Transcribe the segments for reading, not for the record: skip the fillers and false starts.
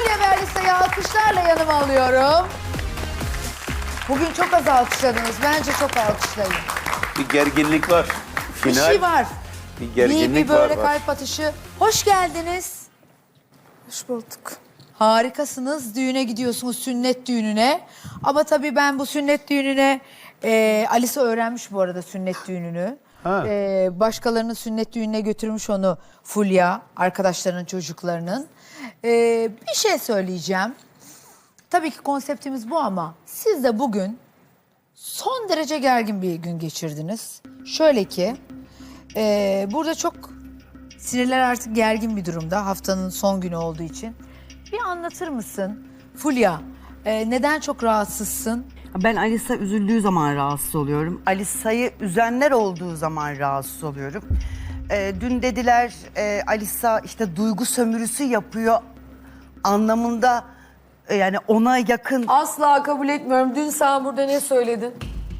Fulya ve Alisa'yı alkışlarla yanıma alıyorum. Bugün çok az alkışladınız. Bence çok alkışlayın. Bir gerginlik var. Bir şey var. Bir gerginlik Bir böyle var. kalp atışı. Hoş geldiniz. Hoş bulduk. Harikasınız. Düğüne gidiyorsunuz, sünnet düğününe. Ama tabii ben bu sünnet düğününe... Alisa öğrenmiş bu arada sünnet düğününü. Ha. Başkalarının sünnet düğününe götürmüş onu Fulya, arkadaşlarının çocuklarının. Bir şey söyleyeceğim. Tabii ki konseptimiz bu ama siz de bugün son derece gergin bir gün geçirdiniz. Şöyle ki burada çok sinirler artık gergin bir durumda haftanın son günü olduğu için. Bir anlatır mısın Fulya neden çok rahatsızsın? Ben Alisa üzüldüğü zaman rahatsız oluyorum. Alisa'yı üzenler olduğu zaman rahatsız oluyorum. Dün dediler Alisa işte duygu sömürüsü yapıyor anlamında yani ona yakın. Asla kabul etmiyorum. Dün sen burada ne söyledin?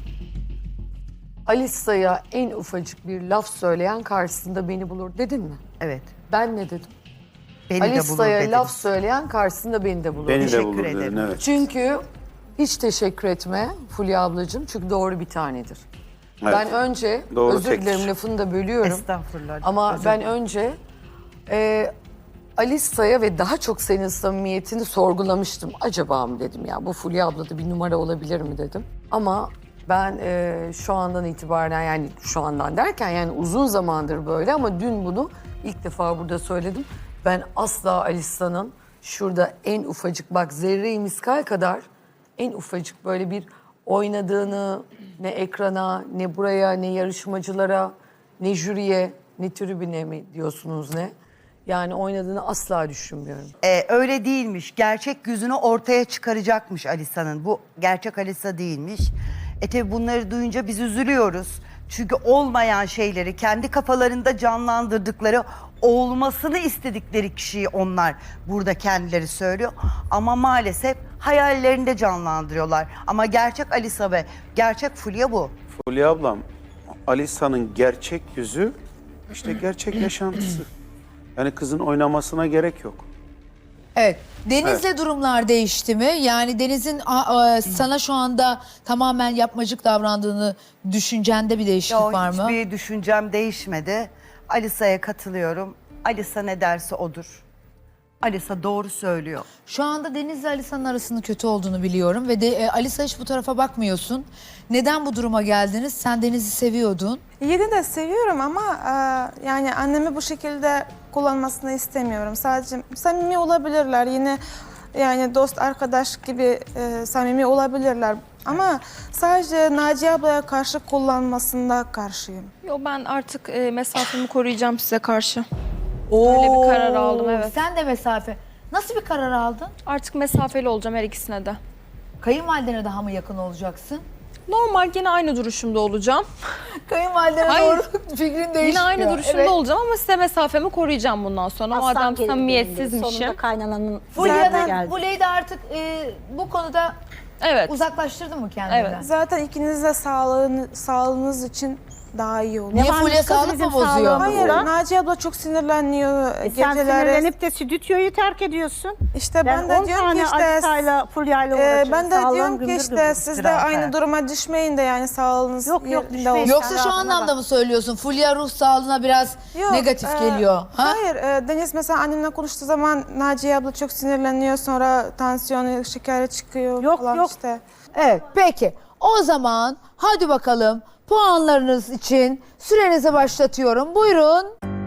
Alisa'ya en ufacık bir laf söyleyen karşısında beni bulur dedin mi? Evet. Ben ne dedim? Beni de bulur Alisa'ya dedim. laf söyleyen karşısında beni de bulur. Beni de Teşekkür bulur dedin, ederim. evet. Çünkü hiç teşekkür etme Fulya ablacığım. Çünkü doğru bir tanedir. Evet. Ben önce, Doğru özür tektir. dilerim lafını da bölüyorum. Estağfurullah. Ama özür ben dilerim. önce Alisa'ya ve daha çok senin samimiyetini sorgulamıştım. Acaba mı dedim ya bu Fulya ablada bir numara olabilir mi dedim. Ama ben şu andan itibaren yani şu andan derken yani uzun zamandır böyle ama dün bunu ilk defa burada söyledim. Ben asla Alisa'nın şurada en ufacık bak zerre-i miskal kadar en ufacık böyle bir oynadığını ne ekrana ne buraya ne yarışmacılara ne jüriye ne tribüne mi diyorsunuz ne? Yani oynadığını asla düşünmüyorum. Öyle değilmiş. Gerçek yüzünü ortaya çıkaracakmış Alisa'nın. Bu gerçek Alisa değilmiş. Tabi bunları duyunca biz üzülüyoruz. Çünkü olmayan şeyleri kendi kafalarında canlandırdıkları, olmasını istedikleri kişiyi onlar burada kendileri söylüyor. Ama maalesef hayallerinde canlandırıyorlar. Ama gerçek Alisa ve gerçek Fulya bu. Fulya ablam, Alisa'nın gerçek yüzü işte gerçek yaşantısı. Yani kızın oynamasına gerek yok. Evet. Deniz'le durumlar değişti mi? Yani Deniz'in sana şu anda tamamen yapmacık davrandığını düşüncende bir değişiklik Yok, var mı? hiçbir düşüncem değişmedi. Alisa'ya katılıyorum. Alisa ne derse odur. Alisa doğru söylüyor. Şu anda Deniz'le Alisa'nın arasının kötü olduğunu biliyorum ve de Alisa hiç bu tarafa bakmıyorsun. Neden bu duruma geldiniz? Sen Deniz'i seviyordun. Yine de seviyorum ama yani annemi bu şekilde kullanmasını istemiyorum. Sadece samimi olabilirler. Yine yani dost arkadaş gibi samimi olabilirler. Ama sadece Naciye ablaya karşı kullanmasında karşıyım. Yo ben artık mesafemi koruyacağım size karşı. Öyle bir karar aldım, evet. Sen de mesafe. Nasıl bir karar aldın? Artık mesafeli olacağım her ikisine de. Kayınvalidene daha mı yakın olacaksın? Normal yine aynı duruşumda olacağım. Kayınvalidene Hayır. doğru fikrin değişmiyor. Yine aynı duruşumda Evet. olacağım ama size mesafemi koruyacağım bundan sonra. Madem samimiyetsizmişim. Sonunda kaynananın Fulya'dan, geldi. Fulya'yı da artık bu konuda Evet. uzaklaştırdın mı kendinden? Evet. Zaten ikiniz de sağlığınız için daha iyi olur. Niye Yabancı Fulya kız sağlık bizim mı bozuyor? sağlığımız. Hayır, Burada. Naciye abla çok sinirleniyor Sen geceleri. sinirlenip de stüdyoyu terk ediyorsun. İşte ben de 10 diyorum tane ki işte Alisa'yla, Fulya'yla uğraşıyorum. ben de Sağlığım diyorum ki gümbür işte gümbür. siz de Biraz, aynı evet. duruma düşmeyin de yani sağlığınız Yok, yerinde düşmeyin. olsun. Yoksa şu Sen anlamda rahatına mı söylüyorsun? Fulya ruh sağlığına biraz Yok, negatif geliyor. Ha? Hayır, Deniz mesela annemle konuştuğu zaman Naciye abla çok sinirleniyor, sonra tansiyonu, şekeri çıkıyor Yok, falan yok. işte. Evet, peki. O zaman hadi bakalım puanlarınız için sürenizi başlatıyorum. Buyurun.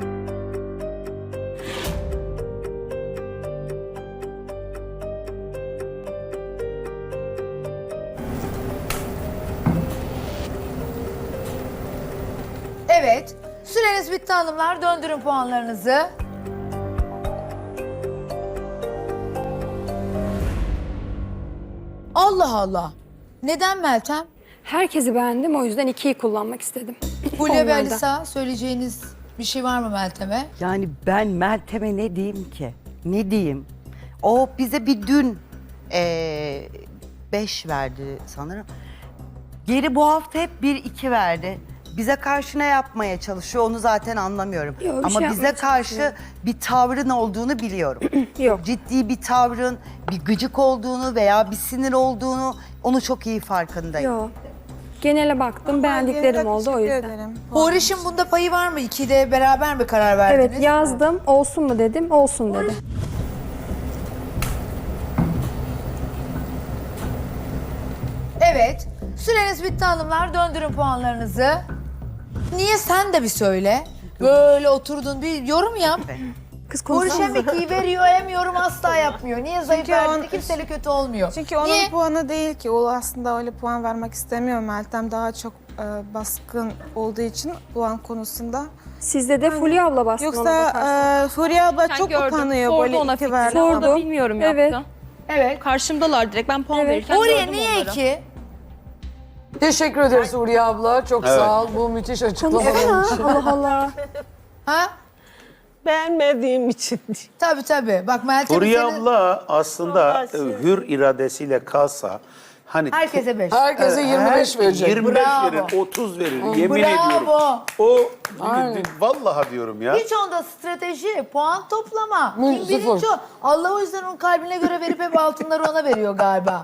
Evet, süreniz bitti hanımlar. Döndürün puanlarınızı. Allah Allah. Neden Meltem? Herkesi beğendim, o yüzden 2'yi kullanmak istedim. Fulya ve Onlardan. Alisa söyleyeceğiniz bir şey var mı Meltem'e? Yani ben Meltem'e ne diyeyim ki? Ne diyeyim? O bize bir dün 5 verdi sanırım. Geri bu hafta hep 1-2 verdi. bize karşı ne yapmaya çalışıyor onu zaten anlamıyorum. Yok, bir Ama şey bize yapmaya karşı bir tavrın olduğunu biliyorum. Yok. Ciddi bir tavrın, bir gıcık olduğunu veya bir sinir olduğunu onu çok iyi farkındayım. Yok. Genele baktım, beğendiklerim oldu o Teşekkür yüzden. ederim. Huriş'in bunda payı var mı? İkide beraber mi karar verdiniz? Evet, yazdım. Olsun mu dedim, olsun dedi. Evet. Süreniz bitti hanımlar. Döndürün puanlarınızı. Niye sen de bir söyle. Böyle oturdun bir yorum yap. Kız Huriş hem konuşsana. ikiyi veriyor hem yorum asla yapmıyor. Niye zayıf Çünkü verdiğinde on- kimseyle kötü olmuyor. Çünkü onun Niye? puanı değil ki. O aslında öyle puan vermek istemiyor. Meltem daha çok baskın olduğu için puan konusunda. Sizde de Fulya abla bastı ona Yoksa bakarsan. Fulya abla Ben çok gördüm. utanıyor Sordu böyle ona iki fikrini verdi. ama Sordu. bilmiyorum Evet. yaptı. Evet. Karşımdalar direkt. Ben puan Evet. verirken Huriye gördüm niye onları. 2? Teşekkür ederiz Huriye abla. Çok Evet. sağ ol bu müthiş açıklamalar için. Konuşsana. Allah Allah. Ha? Beğenmediğim için. Tabii. Bak Meltem Huriye senin abla aslında hür iradesiyle kalsa hani herkese 5. Herkese 25 verecek. 25 Bravo. verir, 30 verir. Yemin Bravo. ediyorum. O Aynen. vallahi diyorum ya. Hiç onda strateji, puan toplama. Mı, Kim bilinç sıfır. o. Allah o yüzden onun kalbine göre verip hep altınları ona veriyor galiba.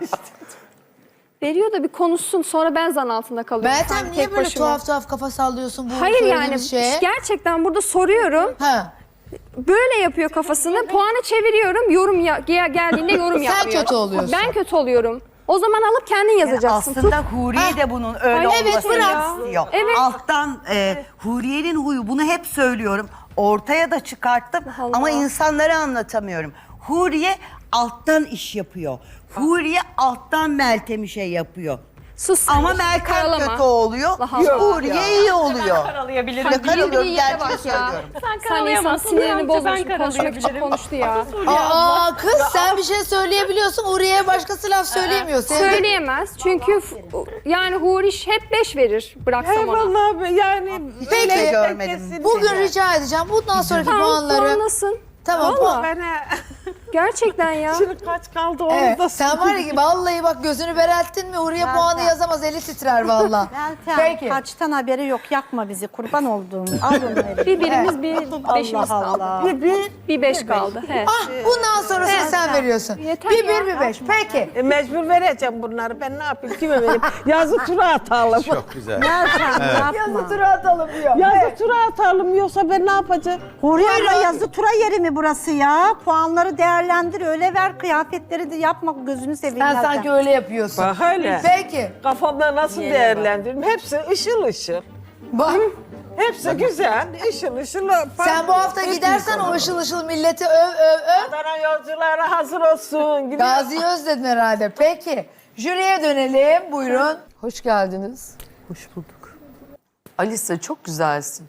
Veriyor da bir konuşsun, sonra ben zan altında kalıyorum. Meltem sanki niye tek böyle başıma. tuhaf kafa sallıyorsun bu Hayır yani söylediğimiz şeye? gerçekten burada soruyorum. Ha. Böyle yapıyor kafasını. Puanı çeviriyorum. Yorum geldiğinde yorum Sen yapmıyor. kötü oluyorsun. Ben kötü oluyorum. O zaman alıp kendin yazacaksın. Aslında Huriye de bunun öyle Ay, evet, olmasını bırak. istiyor. Evet. Alttan Huriye'nin huyu bunu hep söylüyorum. Ortaya da çıkarttım Allah. ama insanlara anlatamıyorum. Huriye alttan iş yapıyor. Huriye alttan Meltem'i şey yapıyor. Sus sen Ama de, Meltem karalama. kötü oluyor. Allah Allah. Huriye iyi oluyor. Karalayabilirim. Ne karalıyorum yere gerçeği bak ya. söylüyorum. Sen insan sinirini bozmuş. Konuşmak için konuştu ya. Aa kız sen bir şey söyleyebiliyorsun. Uriye'ye başkası laf söyleyemiyor. Söyleyemez. Çünkü yani Huriş hep 5 verir. Bıraksam ona. Vallahi yani Peki, öyle görmedim. kesin Bugün değil. rica edeceğim. Bundan sonraki Tamam, puanları... puanlasın. Tamam. Valla. Ben Gerçekten ya. şimdi kaç kaldı onu Evet, da sen var ya vallahi bak gözünü berelttin mi Huriye puanı yazamaz eli titrer valla. Meltem, Peki. kaçtan haberi yok, yakma bizi, kurban olduğum. Al onu Bir birimiz bir beşimiz Allah kaldı. Allah. Bir 5 kaldı. He. Ah bundan sonrasını sen veriyorsun. Yeter bir ya. bir 5. Peki. Mecbur vereceğim bunları. Ben ne yapayım? Kime vereyim? Yazı tura atalım. Çok güzel. Meltem Yazı yapma. tura atalım diyor. Yazı tura atalım yoksa ben ne yapacağım? Huriye abla yazı tura yeri mi burası ya? Puanları değerlendir, öyle ver. Kıyafetleri de yapma, gözünü seveyim. Sen Meltem. sanki öyle yapıyorsun. Bak öyle. Peki. Kafamda nasıl değerlendiririm? Hepsi ışıl ışıl. Bak Hepsi güzel, ışıl ışıl. sen bu hafta gidersen o ışıl ışıl milleti öv. Adana yolcuları hazır olsun. Gidiyor. Gazi'yi özledin herhalde. Peki. Jüriye dönelim. Buyurun. Hoş geldiniz. Hoş bulduk. Alisa çok güzelsin.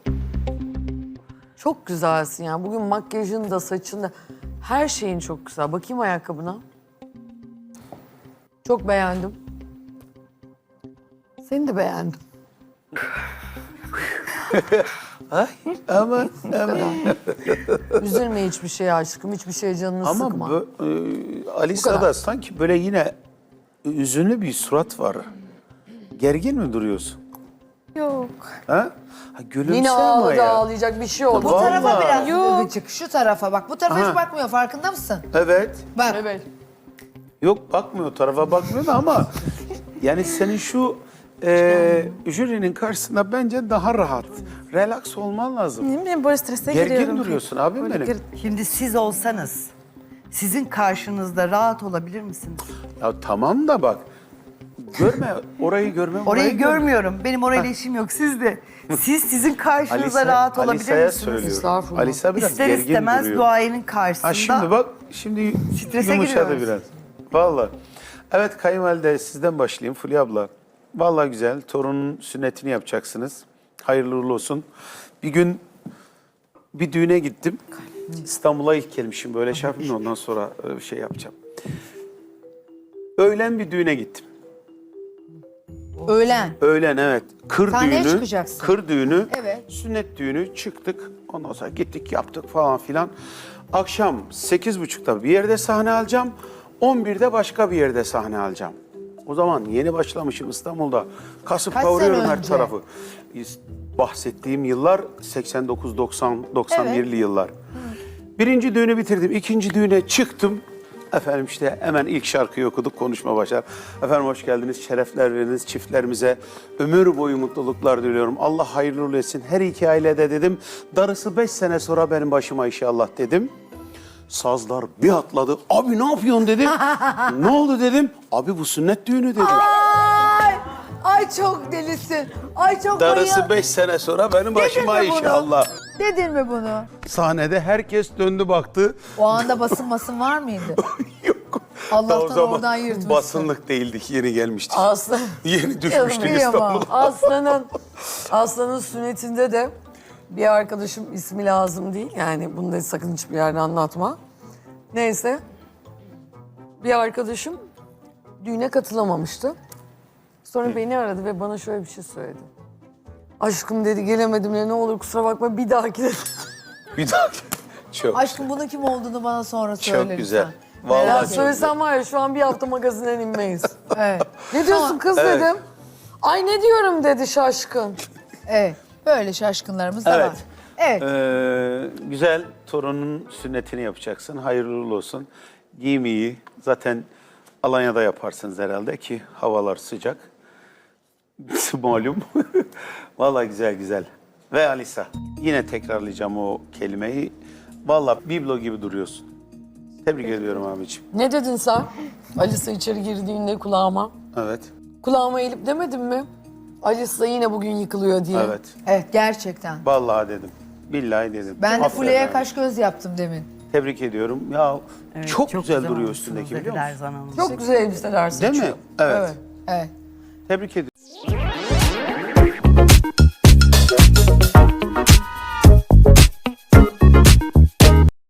Çok güzelsin yani. Bugün makyajın da saçın da her şeyin çok güzel. Bakayım ayakkabına. Çok beğendim. Seni de beğendim. Ama Üzülme hiçbir şeye aşkım. Hiçbir şeye canını sıkma. ama Alisa'da kadar. sanki böyle yine üzünlü bir surat var. Gergin mi duruyorsun? Yok. Ha? Ha gülümse Yine ama ağladı ya. ağlayacak bir şey oldu. Bu tarafa Vallahi. biraz gıcık. Şu tarafa bak. Bu tarafa Aha. hiç bakmıyor. Farkında mısın? Evet. Bak. Evet. Yok bakmıyor, tarafa bakmıyor da ama yani senin şu jürinin karşısında bence daha rahat, relax olman lazım. Ne bileyim böyle strese giriyorum. Gergin duruyorsun abim Böyle benim. Şimdi siz olsanız sizin karşınızda rahat olabilir misiniz? Ya tamam da bak, orayı görmem. Orayı görmüyorum. Benim orayla işim yok. Siz de. Siz sizin karşınızda rahat olabilir Alisa'ya misiniz? söylüyorum. Estağfurullah. Alisa biraz İster gergin istemez duruyor. duayenin karşısında. Ha şimdi bak, şimdi Strese yumuşadı giriyoruz. biraz. Vallahi. Evet kayınvalide sizden başlayayım Fulya abla. Vallahi güzel. Torunun sünnetini yapacaksınız. Hayırlı uğurlu olsun. Bir gün bir düğüne gittim. İstanbul'a ilk gelmişim. Böyle şey yapayım da ondan sonra şey yapacağım. Öğlen bir düğüne gittim. Öğlen. Öğlen evet. Kır Sahneye düğünü. çıkacaksın. Kır düğünü. Evet. Sünnet düğünü çıktık. Ondan sonra gittik yaptık falan filan. Akşam 8.30'da bir yerde sahne alacağım. 11'de başka bir yerde sahne alacağım. O zaman yeni başlamışım İstanbul'da. Kasıp Kaç kavuruyorum sene her önce? tarafı. bahsettiğim yıllar 89, 90, 91'li yıllar. Birinci düğünü bitirdim. İkinci düğüne çıktım. Efendim işte hemen ilk şarkıyı okuduk, konuşma başlar. Efendim hoş geldiniz, şerefler veriniz çiftlerimize. Ömür boyu mutluluklar diliyorum. Allah hayırlı uğurlu etsin. Her iki ailede dedim. Darısı 5 sene sonra benim başıma inşallah dedim. Sazlar bir atladı. Abi ne yapıyorsun dedim. Ne oldu dedim. Abi bu sünnet düğünü dedi. Ay çok delisin. Ay çok Darısı 5 sene sonra benim başıma mi bunu? inşallah. Dedin mi bunu? Sahnede herkes döndü baktı. O anda basın var mıydı? Yok. Allah'tan Daha o zaman oradan yırtmışsın. basınlık değildik, yeni gelmiştik. Aslan, Yeni düşmüştük Kıyamam. İstanbul'a. Aslan'ın sünnetinde de bir arkadaşım, ismi lazım değil. Yani bunu da sakın hiçbir yerde anlatma. Neyse. Bir arkadaşım düğüne katılamamıştı. Sonra beni aradı ve bana şöyle bir şey söyledi. Aşkım dedi, gelemedim ya, ne olur kusura bakma, bir dahaki dedi. Bir dakika. Çok, Aşkım bunun kim olduğunu bana sonra söyle çok güzel. lütfen. Vallahi Ya çok söylesem var ya, şu an bir hafta magazinden inmeyiz. Evet. Ne diyorsun kız Evet. dedim. Ay ne diyorum dedi şaşkın. Evet. Böyle şaşkınlarımız da Evet. var. Evet. Güzel torunun sünnetini yapacaksın. Hayırlı uğurlu olsun. Giyim iyi. Zaten Alanya'da yaparsınız herhalde ki havalar sıcak. Malum. Vallahi güzel güzel. Ve Alisa. Yine tekrarlayacağım o kelimeyi. Vallahi biblo gibi duruyorsun. Tebrik ediyorum abiciğim. Ne dedin sen? Alisa içeri girdiğinde kulağıma. Evet. Kulağıma eğilip demedin mi? Alisa yine bugün yıkılıyor diye. Evet. Evet gerçekten. Vallahi dedim. Billahi dedim. Ben de Aferin Fulya'ya abi. kaş göz yaptım demin. Tebrik ediyorum. Ya Evet, çok güzel duruyor olmuşsunuz üstündeki dedi biliyor musun? Lerzan Hanım. Çok güzel elbiseler Değil seçiyor. mi? Evet. Evet. Tebrik ediyorum.